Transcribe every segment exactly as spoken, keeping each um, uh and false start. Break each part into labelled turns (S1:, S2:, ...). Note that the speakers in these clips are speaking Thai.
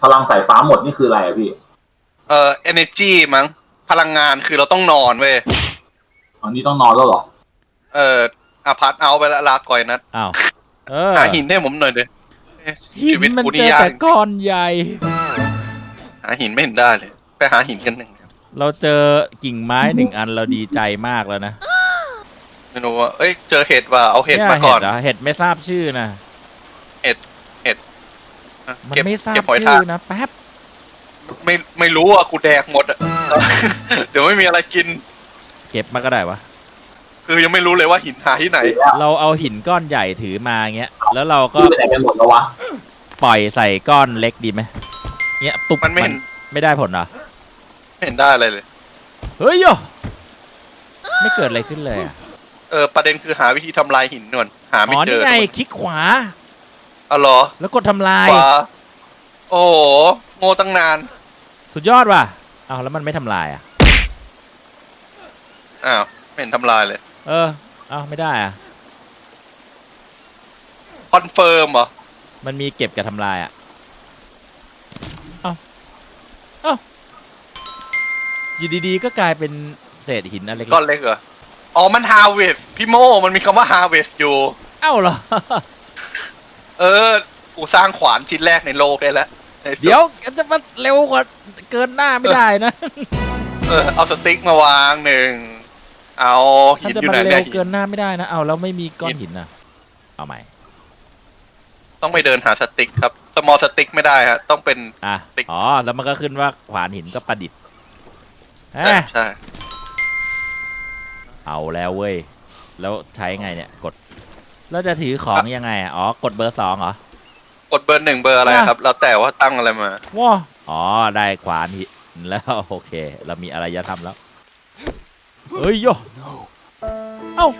S1: พลังสายฟ้าหมดนี่คืออะไรอะพี่
S2: เอ่อ energy มั้งพลังงานคือเราต้องนอนเว้ย
S1: อันนี้ต้องนอนแล้วเหรอ
S2: เอออาพาร์ตเอาไปละลาก่อยนัด
S3: อ้าวเออ
S2: หาหินให้ผมหน่อยเลย
S3: หินมันเจอแต่ก้อนใหญ่
S2: หาหินไม่เห็นได้เลยไปหาหินกันหนึ่ง
S3: เราเจอกิ่งไม้หนึ่งอันเราดีใจมากแล้วนะ
S2: ไม่รู้ว่าเอ้ยเจอเห็ดว่ะเอาเห็ดมาก่อน
S3: เห็ดไม่ทราบชื่อนะ
S2: เห็ดเห็ด
S3: มันไม่ทราบชื่อนะแป๊บ
S2: ไม่ไม่รู้อ่ะกูแดกหมดอ่ะเดี๋ยวไม่มีอะไรกิน
S3: เก็บมาก็ได้วะ
S2: คือยังไม่รู้เลยว่าหินหาที่ไหน
S3: เราเอาหินก้อนใหญ่ถือมาเงี้ยแล้วเราก็
S1: ไปไหนกันหมดแล้ววะ
S3: ปล่อยใส่ก้อนเล็กดีไหมเงี้ยตุก
S2: มันไม่
S3: ไม่ได้ผลเหรอ
S2: ไม่เห็นได้อะไรเลย
S3: เฮ้ยโยไม่เกิดอะไรขึ้นเลยอ่ะ
S2: เออประเด็นคือหาวิธีทำลายหินก่อนหาไม่เจอ
S3: อ๋อนี่ไงคลิกขวา
S2: อ๋อเหรอ
S3: แล้วกดทำลาย
S2: ขวาโอ้โหโง่ตั้งนาน
S3: สุดยอดว่ะอ้าวแล้วมันไม่ทำลายอ่ะ
S2: อ้าวไม่เห็นทำลายเลย
S3: เอออ้าวไม่ได้อ่ะ
S2: คอนเฟิร์มเหรอ
S3: มันมีเก็บกับทำลายอ่ะเอ้าเอ้าอยู่ดีๆก็กลายเป็นเศษหินอะไร
S2: ก้อนเล็กเหรออ๋อมันฮาเวสพี่โมมันมีคำว่าฮาเวสอยู่
S3: เอ้าเหรอ
S2: เออกูสร้างขวานชิ้นแรกในโลกได้แล้ว
S3: เดี๋ยวจะมาเร็วกว่าเกินหน้าไม่ได้นะ
S2: เออเอาสติ๊กมาวางหนึ่งเอาหินอยู่ไหนเนี่ย
S3: เกินหน้าไม่ได้นะเอาแล้วไม่มีก้อนหินนะเอาใหม่
S2: ต้องไปเดินหาสติ๊กครับสมอลสติ๊กไม่ได้ฮะต้องเป็น
S3: อ่ะอ๋อแล้วมันก็ขึ้นว่าขวานหินก็ประดิษฐ์
S2: ใช่
S3: เอาแล้วเว้ยแล้วใช้ไงเนี่ยกดแล้วจะถือของยังไงอ๋อกดเบอร์สองเหรอก
S2: ดเบอร์หนึ่งเบอร์อะไรครับแล้วแต่ว่าตั้งอะไรมา
S3: ว้าอ๋อได้ขวานหินแล้วโอเคเรามีอะไรจะทำแล้วเฮ้ยโยเอ้า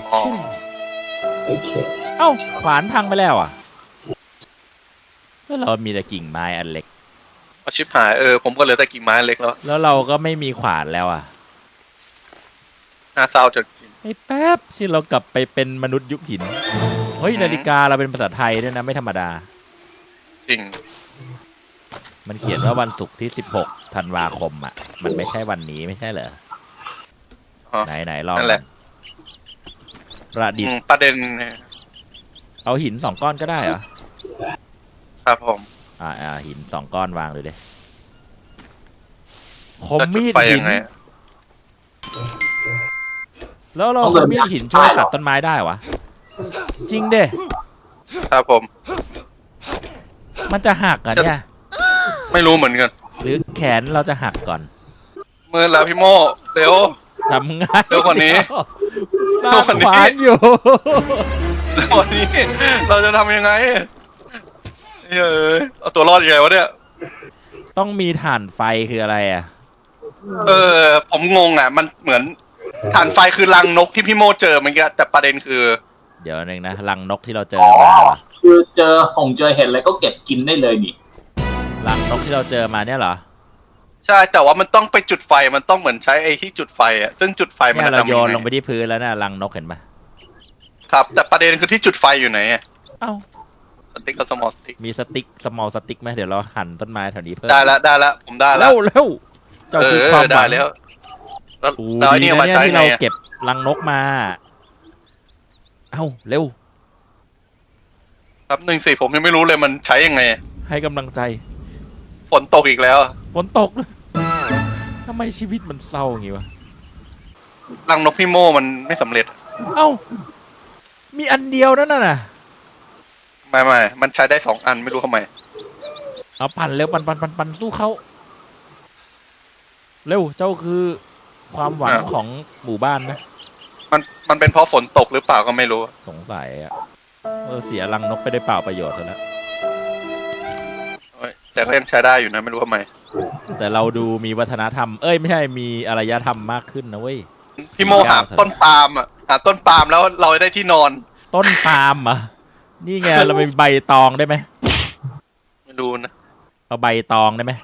S3: เอ้าขวานพังไปแล้วอ่ะแล้วเรามีแต่กิ่งไม้อันเล็ก
S2: เอาชิบหายเออผมก็เหลือแต่กิ่งไม้เล็กแล้ว
S3: แล้วเราก็ไม่มีขวานแล้วอ่ะ
S2: น่าเศร้าจน
S3: ไอ้แป๊บที่เรากลับไปเป็นมนุษย์ยุคหินเฮ้ยนาฬิกาเราเป็นภาษาไทยด้วยนะไม่ธรรมดา
S2: จริง
S3: มันเขียนว่าวันศุกร์ที่สิบหกธันวาคมอ่ะมันไม่ใช่วันนี้ไม่ใช่เหรอไหนไหนลองประดิษฐ์
S2: ประเด็น
S3: เอาหินสองก้อนก็ได้เหรอ
S2: ครับผม
S3: อ่าอ่าหินสองก้อนวางเลยเลยคมมีดหินแล้วเราคมมีดหินช่วยตัดต้นไม้ได้วะจริงเด้
S2: ครับผม
S3: มันจะหักอ่ะเนี่ย
S2: ไม่รู้เหมือนกัน
S3: หรือแขนเราจะหักก่อน
S2: มือแล้วพี่โมเร็ว
S3: ทำง่าย
S2: เร็วกว่านี้
S3: เร็วกว่านี้อยู่
S2: เร็วกว่านี้เราจะทำยังไงเฮ้ยเอาตัวรอดยังไงวะเนี่ย
S3: ต้องมีถ่านไฟคืออะไรอ่ะ
S2: เออผมงงอ่ะมันเหมือนถ่านไฟคือรังนกที่พี่โมเจอเมื่อกี้แต่ประเด็นคือ
S3: เดี๋ยวนึงนะรังนกที่เราเจอมา
S1: คือเจอหงเจอเห็ดอะไรก็เก็บกินได้เลยนี่
S3: รังนกที่เราเจอมาเนี่ยเหรอ
S2: ใช่แต่ว่ามันต้องไปจุดไฟมันต้องเหมือนใช้ไอ้ที่จุดไฟอ่ะซึ่งจุดไฟมัน
S3: เราโยนลงไปที่พื้นแล้วนะรังนกเห็นปะ
S2: ครับแต่ประเด็นคือที่จุดไฟอยู่ไหนอ่ะ
S3: เอ้า
S2: สติ๊กกับสมอลสติ๊ก
S3: มีสติ๊กสมอลสติ๊กไหมเดี๋ยวเราหั่นต้นไม้แถวนี้เพิ่ม
S2: ได้แล้วได้แล้วผมได้แล้ว
S3: เร็วเร็วเจ้าคือความ
S2: ได้แล้ว
S3: แล้วนี่มาใช้ที่เราเก็บรังนกมาเอ้าเร็ว
S2: ครับหนึ่งสี่ผมยังไม่รู้เลยมันใช้ยังไง
S3: ให้กำลังใจ
S2: ฝนตกอีกแล้ว
S3: ฝนตกเลยทำไมชีวิตมันเศร้าอย่างงี้วะ
S2: รังนกพี่โมมันไม่สำเร็จ
S3: เอ้ามีอันเดียวนั่นน่ะ
S2: ไม่ไม่มันใช้ได้สองอันไม่รู้ทำไม
S3: เอาปั่นเร็วปั่นปั่นปั่นปั่นสู้เขาเร็วเจ้าคือความหวังของหมู่บ้านนะ
S2: มันมันเป็นเพราะฝนตกหรือเปล่าก็ไม่รู้
S3: สงสัยอ่ะเออเสียรังนกไปได้เปล่าประโยชน์แล้ว
S2: แต่ก็ยังใช้ได้อยู่นะไม่รู้ทำไม
S3: แต่เราดูมีวัฒนธรรมเอ้ยไม่ใช่มีอารยธรรมมากขึ้นนะเว้ย
S2: พี่โมหาต้นปาล์มอ่ะหาต้นปาล์มแล้วเราได้ที่นอน
S3: ต้นปาล์มอ่ะนี่ไงเราเป็นใบตองได้ไหม
S2: ไม่รู้นะ
S3: เอาใบตองได้ไหม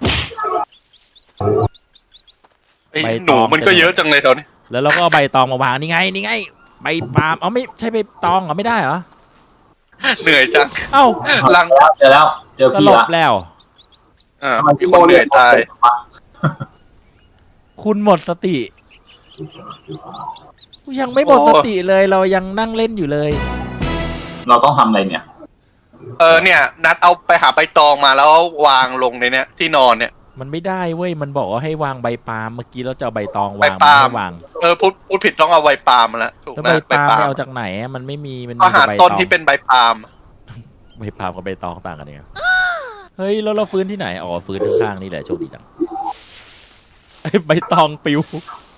S2: ใบหนูมันก็เยอะจังเลยแถวนี้
S3: แล้วเราก็เอาใบตองมาวางนี่ไงนี่ไงใบปาล์มเอาไม่ใช่ใบตองเหรอไม่ได้เหรอ
S2: เหนื่อยจัง
S3: เอ้า
S1: ลังเจอแล้วเจอ
S3: พี่ละแล้ว
S2: อ่า
S1: ทำไม
S2: มี
S1: พี่
S2: ค
S1: โม
S2: นเห
S1: เรี
S2: นื่
S1: ย
S2: อย
S1: ก
S2: ตาย
S3: คุณหมดสติยังไม่หมดสติเลยเรายังนั่งเล่นอยู่เลย
S1: เราต้องทำอะไรเนี่ย
S2: เออเนี่ย นัดเอาไปหาใบตองมาแล้ววางลงในเนี้ยที่นอนเนี่ย
S3: มันไม่ได้เว้ยมันบอกว่าให้วางใบปาล์มเมื่อกี้เราจะเอาใบตอง
S2: ใบ
S3: วาง
S2: ปาล์ม
S3: ไม่วาง
S2: เออพูดพูดผิดต้องเอาใบปาล์มมาแล้วถูก
S3: แล้ว
S2: ไหม
S3: ใบ
S2: ใบ
S3: ปาล์ม
S2: ปา
S3: ไป
S2: ล์ม
S3: เอาจากไหนอะมันไม่มีมันมี
S2: ก็หา
S3: แต่ใบ
S2: ต้น
S3: ตอง
S2: ที่เป็นใบปาล์ม
S3: ใบปาล์มกับใบตองต่างกันยังไงเฮ้ยแล้วเราฟื้นที่ไหนอ๋อฟื้นข้างๆนี่แหละโชคดีจังไอ้ใบตองปิว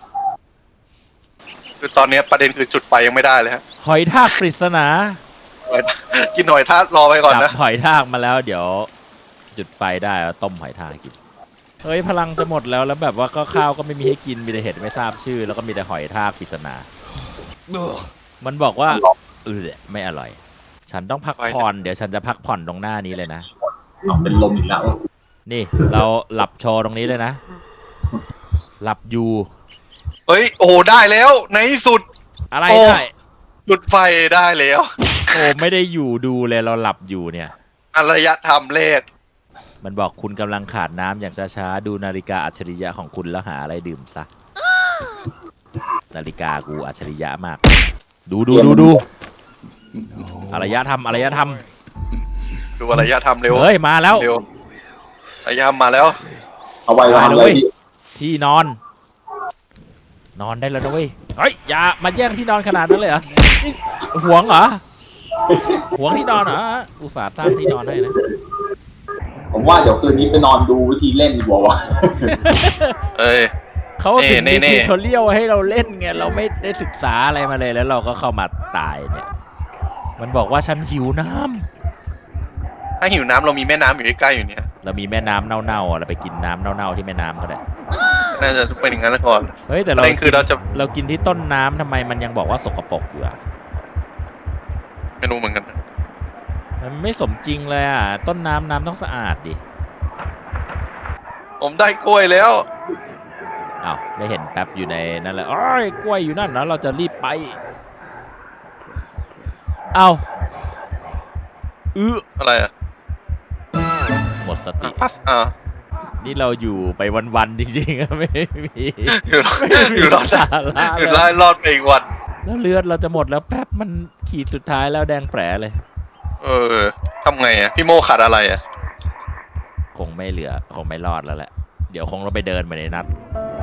S2: คือตอนเนี้ยประเด็นคือจุดไฟยังไม่ได้เลยฮะ
S3: หอยทากปริศนา
S2: กินหน่อยถ้ารอไปก่อน
S3: จับ
S2: นะ
S3: หอยทากมาแล้วเดี๋ยว จุดไฟได้แล้วต้มหอยทากกินเฮ้ยพลังจะหมดแล้วแล้วแบบว่าก็ข้าวก็ไม่มีให้กินมีแต่เห็ดไม่ทราบชื่อ แล้วก็มีแต่หอยทากปริศนา มันบอกว่าเออไม่อร่อย ฉันต้องพักผ่อนเดี๋ยวฉันจะพักผ่อนตรงหน้านี้เลยนะ
S1: เอาเป็นลมอีกแล้ว
S3: นี่เราหลับโชว์ตรงนี้เลยนะ หลับอยู่
S2: เฮ้ยโอ้โหได้แล้วในที่สุด
S3: อะไร
S2: โอ้
S3: ได้
S2: จุดไฟได้แล้ว
S3: โอ้ไม่ได้อยู่ดูเลยเราหลับอยู่เนี่ย
S2: อารยธรรมเลข
S3: มันบอกคุณกำลังขาดน้ำอย่างช้าๆดูนาฬิกาอัจฉริยะของคุณแล้วหาอะไรดื่มซะ นาฬิกากูอัจฉริยะมาก ดูดูดูดูอารยธรรมอารยธรรม
S2: ดูอารยธรรมเร็ว
S3: เฮ้ยมาแล้ว
S2: เร็วอารยธรรมมาแล้ว
S1: เอาไว้วาง
S3: ได้
S1: เล
S3: เลย
S1: ยพี่
S3: ที่นอน นอนได้แล้วนะเว้ยเฮ้ยอย่ามาแย่งที่นอนขนาดนั้นเลยเหรอนี่หวงเหรอหวงที่นอนเหรออุตส่าห์ตั้งที่นอนให้นะ
S1: ผมว่าเดี๋ยวคืนนี้ไปนอนดูวิธีเล่นดีกว่าวะ
S2: เอ้ย
S3: เขาถึง
S2: นี่
S3: มี
S2: นี่
S3: ทิวทอเรียลให้เราเล่นไงเราไม่ได้ศึกษาอะไรมาเลยแล้วเราก็เข้ามาตายเนี่ย มันบอกว่าฉันหิวน้ำ
S2: ถ้าหิวน้ำเรามีแม่น้ำอยู่ใกล้ๆอยู่เนี่ย
S3: เรามีแม่น้ำเน่าๆอ่ะเราไปกินน้ำเน่าๆที่แม่น้ำก็ได้
S2: น่าจะเป็นอย่างนั้นก่อน
S3: เฮ้ยแต่
S2: ป
S3: เรา
S2: ระเด็นคือเราจะ
S3: เรากินที่ต้นน้ำทำไมมันยังบอกว่าสกปรกอยู่อ่ะ
S2: ไม่รู้เหมือนกัน
S3: มันไม่สมจริงเลยอ่ะต้นน้ำน้ำต้องสะอาดดิ
S2: ผมได้กล้วยแล้ว
S3: อ้าวไม่เห็นแป๊บอยู่ในนั่นเลยโอ้ยกล้วยอยู่นั่นแล้วเราจะรีบไปเอาอื้อ
S2: อะไรอ่ะ
S3: หมดสติ
S2: พัสอ่า
S3: นี่เราอยู่ไปวันๆจริงๆอะไม่มี
S2: อยู่รอด
S3: ไม่มี
S2: อยู่รอด
S3: สาระ
S2: อยู่
S3: เล
S2: รอย ดรอดไปอีกวัน
S3: แล้วเลือดเราจะหมดแล้วแป๊บมันขีดสุดท้ายแล้วแดงแผลเลย
S2: เออทำไงอ่ะพี่โมขาดอะไรอ่ะ
S3: คงไม่เหลือคงไม่รอดแล้วแหละเดี๋ยวคงเราไปเดินมาในนัด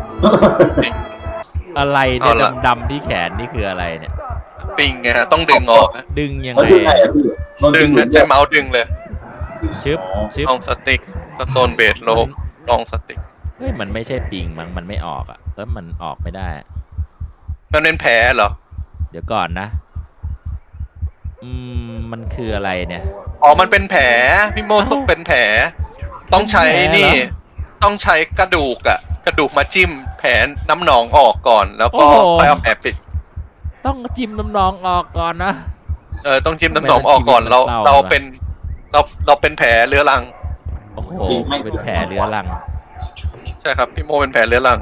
S3: อะไรเนี่ยดำๆที่แขนนี่คืออะไรเนี่ย
S2: ปิงไงฮะต้องดึงออกนะ
S3: ดึงยัง
S1: มัน
S3: ไง
S1: ดึงไงอะพี่มัน
S2: ดึง
S1: หลุ
S2: นะ
S1: ด
S2: ใช้เมาส์ดึงเลย
S3: ชึบชึบ
S2: ลองสติ๊กสโตนเบสโลลองสติ๊ก
S3: เฮ้ยมันไม่ใช่ปิงมั้งมันไม่ออกอ่ะแล้วมันออกไม่ได้
S2: มันเป็นแผลเหรอ
S3: เดี๋ยวก่อนนะ อืมมันคืออะไรเนี่ย
S2: อ๋อมันเป็นแผลพี่โมต้องเป็นแผล ต้องใช้
S3: เป็นแผลเหรอ
S2: นี่ ต้องใช้กระดูกอะกระดูกมาจิ้มแผลน้ำหนองออกก่อน แล้วก็ค่อยเอาแผลปิด
S3: ต้องจิ้มน้ำนองออกก่อนนะ
S2: เออต้องจิ้มน้ำหนองออกก่อนเรา
S3: ทำไมมันชีวิตมันเศร้า
S2: เราเป็นเราเราเป็นแผลเรื้อรัง
S3: โอ้โหเป็นแผลเรื้อรัง
S2: ใช่ครับพี่โมเป็นแผลเรื้อรัง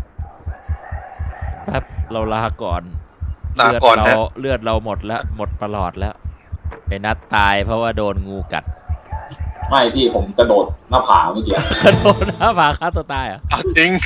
S3: แป๊บเราลาก่อน
S2: ลาก่อน
S3: เลือด
S2: นะ
S3: เราเลือดเราหมดแล้วหมดประหลอดแล้วไอ้นัดตายเพราะว่าโดนงูกัด
S1: ไม่พี่ผมกระโดดหน้าผาเมื่อกี้
S3: โดนหน้าผาฆ่าตัวตายเหรอ่ะ
S2: เอาจริง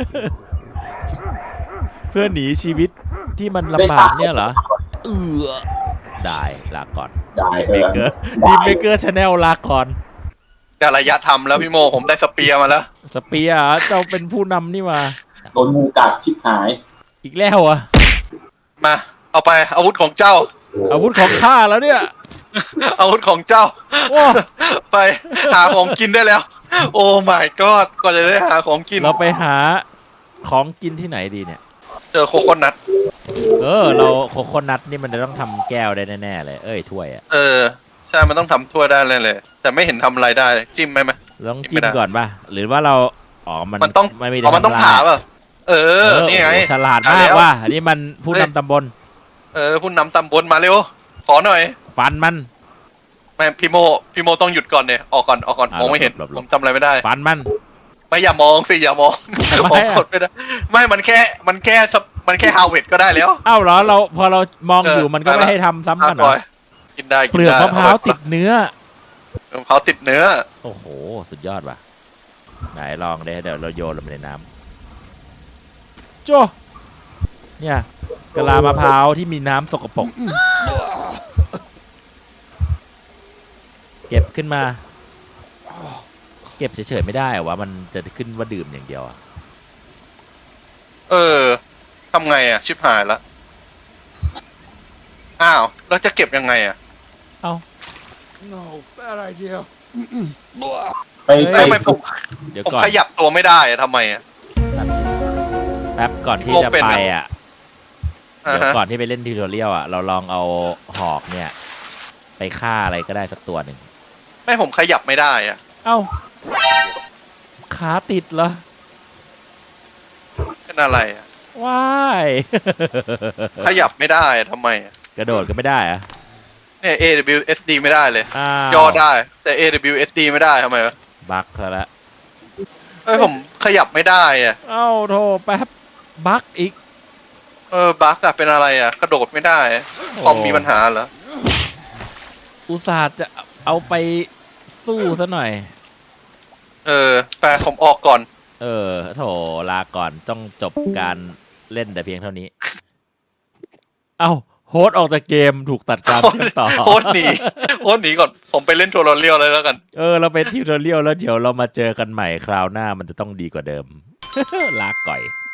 S3: เพื่อหนีชีวิตที่มันลำบากเนี่ยเหรอเออได้ลาก่อน
S1: ได้
S3: ดี
S1: ไป
S3: เม
S1: แล้ว
S3: เกอร์ดีเมเกอร์ชาแนลลาก่อน
S2: แต่ระยะทำแล้วพี่โมผมได้สเปียร์มาแล้ว
S3: สเปียร์เหรอเจ้าเป็นผู้นำนี่มา
S1: โดนงูกัดชิบหาย
S3: อีกแล้วอ่ะ
S2: มา เอาไปอาวุธของเจ้า
S3: อาวุธของข้าแล้วเนี่ย
S2: อาวุธของเจ้า
S3: โอ้
S2: ไปหาของกินได้แล้ว โอ้ my god ก็จะได้หาของกิน
S3: เราไปหาของกินที่ไหนดีเนี่ย
S2: เจอโคโคนัท
S3: เออ เราโคโคนัทนี่มันจะต้องทำแก้วได้แน่ๆเลย เอ้ยถ้วยอ่ะ
S2: เออ ใช่ มันต้องทำทั่วได้เลยเลย แต่ไม่เห็นทำอะไรได้เลยจิ้มไหมไหม
S3: ลองจิ้มก่อนป่ะ หรือว่าเรา อ๋อ มัน
S2: มันต้อง
S3: ไม่มี
S2: อ๋อมันต้อง
S3: ทำลย
S2: ผ่าป่ะเอ
S3: เอ
S2: อ
S3: อ
S2: นี่ไง
S3: โอ้โหฉลาด
S2: ผ่
S3: มาก
S2: แล้ว
S3: ว่ะอันนี้มันผู้
S2: เฮ้ย
S3: นำตำบล
S2: เออผู้นำตำบลมาเร็ว ขอหน่อย
S3: ฟันมัน
S2: ไม่พี่โมพี่โมต้องหยุดก่อนเนี่ยออกก่อนออกก่อน
S3: อ่ะ
S2: มองไม่เห็น
S3: หลบหลบ
S2: ผมจำอะไรไม่ได้
S3: ฟันมัน
S2: ไม่อย่ามองสิอย่ามอง
S3: ทำไม
S2: มอง
S3: อ่ะ
S2: กดไม่ได้ไม่มันแค่มันแค่สปมันแค่ฮาวเวิร์ดก็ได้แล้ว
S3: เอ้าเหรอ เราพอเรามอง
S2: เออ
S3: อยู่มันก็
S2: ได้
S3: ไม่
S2: ละ
S3: ให้ทำซ้ำกันเหร
S2: ก่
S3: อ
S2: อนกินได้กิน
S3: เปลือก
S2: ได้
S3: มะพร้าวติดเนื้อ
S2: มะพร้าวติดเนื้อ
S3: โอ้โห สุดยอดว่ะไหนลองเดี๋ยวเดี๋ยวเราโยนลงไปในน้ำโจ้เนี่ยกะลามะพร้าวที่มีน้ำสกปรกเก็บขึ้นมาเก็บเฉยๆไม่ได้เหรอวะมันจะขึ้นว่าดื่มอย่างเดียวอะ
S2: เออทำไงอ่ะชิบหายละอ้าวแล้วจะเก็บยังไงอ่ะ
S3: เอ้า
S4: No, bad idea.
S1: ไปไป
S2: ทำไมผม
S3: เดี๋ยว
S2: ผม
S3: ก่อน
S2: ขยับตัวไม่ได้อะทำไมอ่ะ
S3: แป๊บก่อนที่
S2: โลก
S3: จะ
S2: เป็น
S3: ไป
S2: อะ
S3: อ่ะ
S2: อ่า
S3: เดี๋ยว
S2: ฮะ
S3: ก่อนที่ไปเล่นทิวทอเรียลอ่ะเราลองเอาหอกเนี่ยไปฆ่าอะไรก็ได้สักตัวหนึ่ง
S2: ไม่ผมขยับไม่ได้อ่ะ
S3: เอ้าขาติดเหรอ
S2: เป็นอะไรอ่ะ
S3: ว้าย
S2: ขยับไม่ได้อะทำไมอะ
S3: กระโดดก็ไม่ได้อะ
S2: เนี่ย เอ ดับเบิลยู เอส ดี ไม่ได้เลย
S3: อ้าว
S2: ย่อได้แต่ เอ ดับเบิลยู เอส ดี ไม่ได้ทำไมวะ
S3: บั๊กซะละ
S2: เอ้ยผมขยับไม่ได้อ่ะ
S3: เอ้าโทแป๊บบั๊กอีก
S2: เออบั๊กอะเป็นอะไรอ่ะกระโดดไม่ได้คอมมีปัญหาเหรอ
S3: อุตส่าห์จะเอาไปสู้ซะหน่อย
S2: เออแปลผมออกก่อน
S3: เออโถลาก่อนต้องจบการเล่นแต่เพียงเท่านี้ เอ้าโฮสต์ออกจากเกมถูกตัดการเชื่อมต่อ
S2: โคตรหนีโคตรหนีก่อนผมไปเล่นตัวรอเลียวเลยแล้วกัน
S3: เออเราเป็นทิวทอเรียลแล้วเดี๋ยวเรามาเจอกันใหม่คราวหน้ามันจะต้องดีกว่าเดิม ลาก่อย